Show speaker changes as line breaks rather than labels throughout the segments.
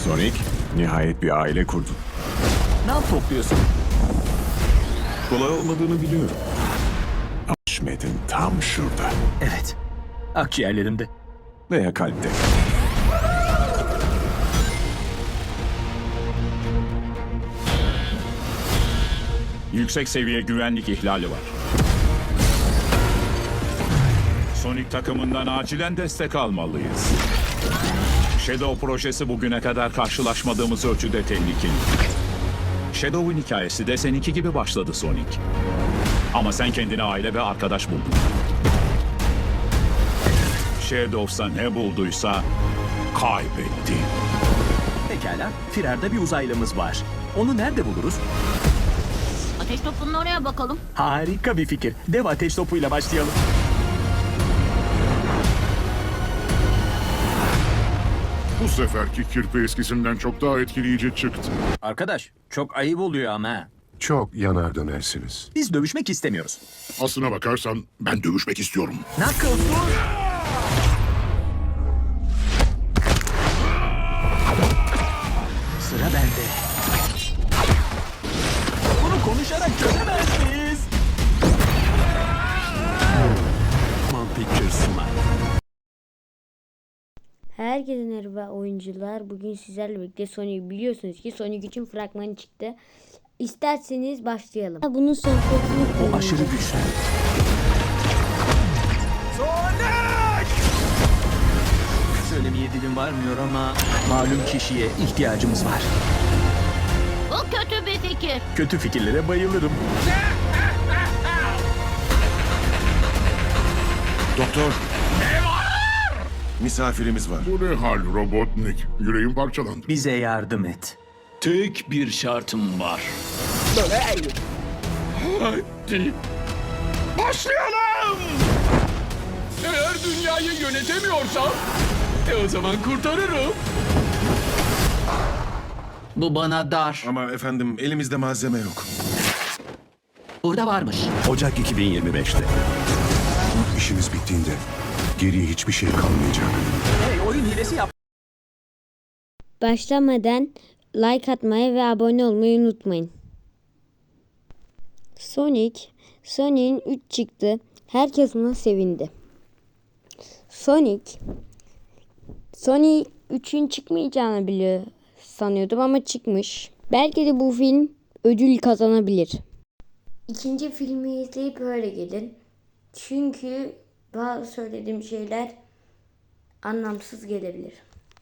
Sonic, nihayet bir aile kurdun.
Ne topluyorsun?
Kolay olmadığını biliyorum. Ama Ahmet'in tam şurada.
Evet. Akciğerlerimde.
Veya kalpte.
Yüksek seviye güvenlik ihlali var. Sonic takımından acilen destek almalıyız. Shadow projesi bugüne kadar karşılaşmadığımız ölçüde tehlikeli. Shadow'un hikayesi de seninki gibi başladı Sonic. Ama sen kendine aile ve arkadaş buldun. Shadow'sa ne bulduysa kaybetti.
Pekala. Firarda bir uzaylımız var. Onu nerede buluruz?
Ateş topunun oraya bakalım.
Harika bir fikir. Dev ateş topuyla başlayalım.
Bu seferki kirpi eskisinden çok daha etkileyici çıktı.
Arkadaş, çok ayıp oluyor ama.
Çok yanar dönersiniz.
Biz dövüşmek istemiyoruz.
Aslına bakarsan ben dövüşmek istiyorum.
Knuckles dur! Sıra bende. Bunu konuşarak çözemezsiniz. Motion Picture sunar.
Herkese merhaba oyuncular. Bugün sizlerle birlikte Sonic, biliyorsunuz ki Sonic için fragmanı çıktı. İsterseniz başlayalım. Bunun son
O aşırı güçlü. Söylemeye dilim varmıyor ama malum kişiye ihtiyacımız var.
Bu kötü bir fikir.
Kötü fikirlere bayılırım.
Doktor. Misafirimiz var.
Bu ne hal Robotnik? Yüreğim parçalandı.
Bize yardım et.
Tek bir şartım var. Hadi. Başlayalım! Eğer dünyayı yönetemiyorsam, o zaman kurtarırım.
Bu bana dar.
Ama efendim elimizde malzeme yok.
Burada varmış.
Ocak 2025'te.
İşimiz bittiğinde geriye hiçbir şey kalmayacak.
Hey, oyun hilesi yap.
başlamadan like atmayı ve abone olmayı unutmayın. Sonic'in 3 çıktı. Herkes buna sevindi. Sonic 3'ün çıkmayacağını biliyor sanıyordum ama çıkmış. Belki de bu film ödül kazanabilir. İkinci filmi izleyip öyle gelin. Çünkü bazı söylediğim şeyler anlamsız gelebilir.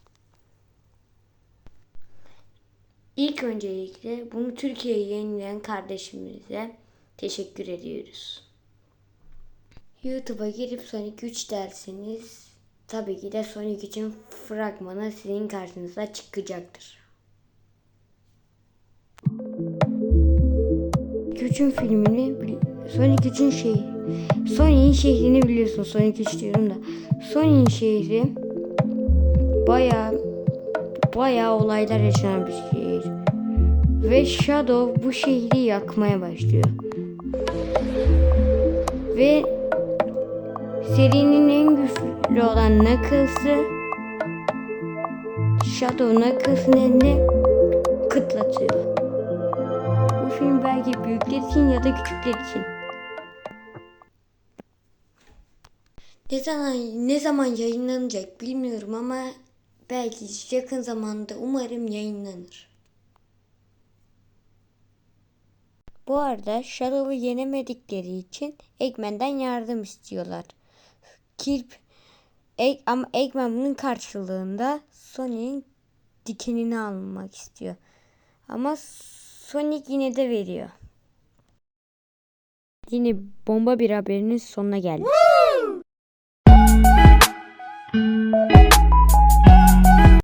İlk öncelikle bunu Türkiye'ye yayınlayan kardeşimize teşekkür ediyoruz. YouTube'a girip Sonic 3 derseniz tabii ki de Sonic için fragmanı sizin karşınıza çıkacaktır. Sonic'in şehrini biliyorsun. Sonic 3 diyorum da. Sonic'in şehri bayağı olaylar yaşanan bir şehir. Ve Shadow bu şehri yakmaya başlıyor. Ve serinin en güçlü olan Knuckles'ı Shadow Knuckles'ın eline kıtlatıyor. Bu film belki büyükler için ya da küçükler için. Ne zaman yayınlanacak bilmiyorum ama belki yakın zamanda umarım yayınlanır. Bu arada Shadow'u yenemedikleri için Eggman'den yardım istiyorlar. Ama Eggman bunun karşılığında Sonic'in dikenini almak istiyor. Ama Sonic yine de veriyor. Yine bomba bir haberinin sonuna geldik.